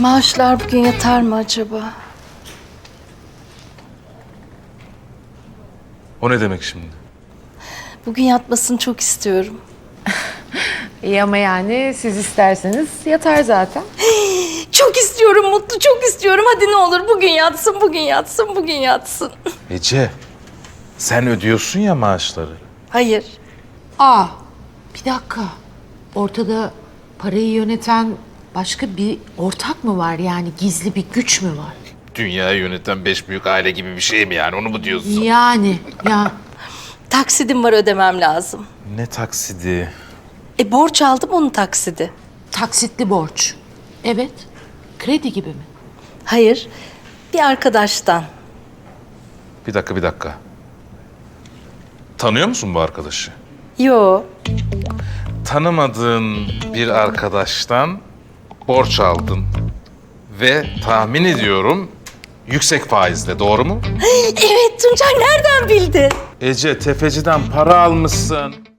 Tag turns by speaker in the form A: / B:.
A: Maaşlar bugün yatar mı acaba?
B: O ne demek şimdi?
A: Bugün yatmasını çok istiyorum.
C: İyi ama yani siz isterseniz yatar zaten.
A: Çok istiyorum Mutlu, çok istiyorum. Hadi ne olur bugün yatsın, bugün yatsın, bugün yatsın.
B: Ece, sen ödüyorsun ya maaşları.
A: Hayır.
C: Aa, bir dakika. Ortada parayı yöneten başka bir ortak mı var? Yani gizli bir güç mü var?
B: Dünyayı yöneten 5 büyük aile gibi bir şey mi yani, onu mu diyorsun?
C: Yani ya
A: Taksidim var, ödemem lazım.
B: Ne taksidi?
A: Borç aldım, onun taksidi.
C: taksitli borç. Evet. Kredi gibi mi?
A: Hayır, bir arkadaştan.
B: Bir dakika. Tanıyor musun bu arkadaşı?
A: Yo,
B: Tanımadığın bir arkadaştan borç aldın. Ve tahmin ediyorum yüksek faizle, doğru mu?
A: evet Tuncay nereden bildin?
B: Ece, tefeciden para almışsın.